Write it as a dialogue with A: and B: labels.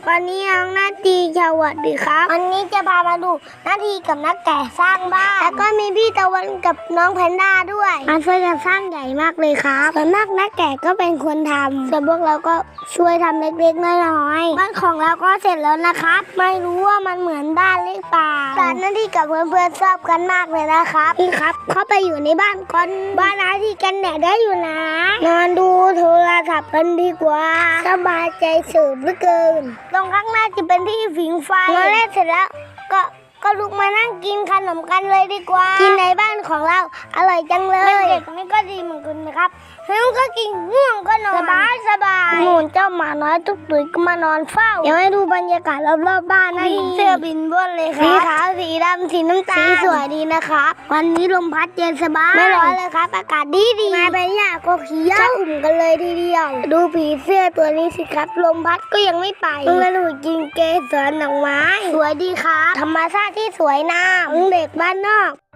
A: วันนี้น้องนาทีสวัสดีครับวันนี้จะพามาดูนาทีกับนักแกะสร้างบ้านแล้วก็มีพี่ตะวันกับน้องแพนด้าด้วยมาช่วยกันสร้างใหญ่มากเลยครับส่วนมากนักแกะก็เป็นคนทำส่วนพวกเราก็ช่วยทำเล็กๆน้อยๆบ้านของเราก็เสร็จแล้วนะครับไม่รู้ว่ามันเหมือนบ้านหรือเปล่าแต่นาทีกับเพื่อนๆชอบกันมากเลยนะครับพี่ครับเข้าไปอยู่ในบ้านก่อนบ้านนาทีกันแดดได้อยู่นะนอนดูโทรศัพท์กันดีกว่าสบายใจสืบเหลือเกินตรงข้างหน้าจะเป็นที่ผิงไฟนอนเล่นเสร็จแล้วก็ลุกมานั่งกินขนมกันเลยดีกว่ากินในบ้านของเราอร่อยจังเลยเด็กนี่ก็ดีเหมือนกันนะครับหิวก็กินง่วงก็นอนสบายหมูเจ้าหมาน้อยตุ๊กตุ๋ยก็มานอนเฝ้าเดี๋ยวให้ดูบรรยากาศรอบๆบ้านนะเสื้อบินบนเลยครับสีขาวสีดำสีน้ำตาลสีสวยดีนะครับวันนี้ลมพัดเย็นสบายไม่ร้อนเลยครับอากาศดีมาไปเนี่ยก็เขียวอุ่มกันเลยทีเดียวดูผีเสื้อตัวนี้สิครับลมพัดก็ยังไม่ไปมาดูกินเกสรดอกไม้สวยดีครับธรรมชาติที่สวยงามเด็กบ้านนอก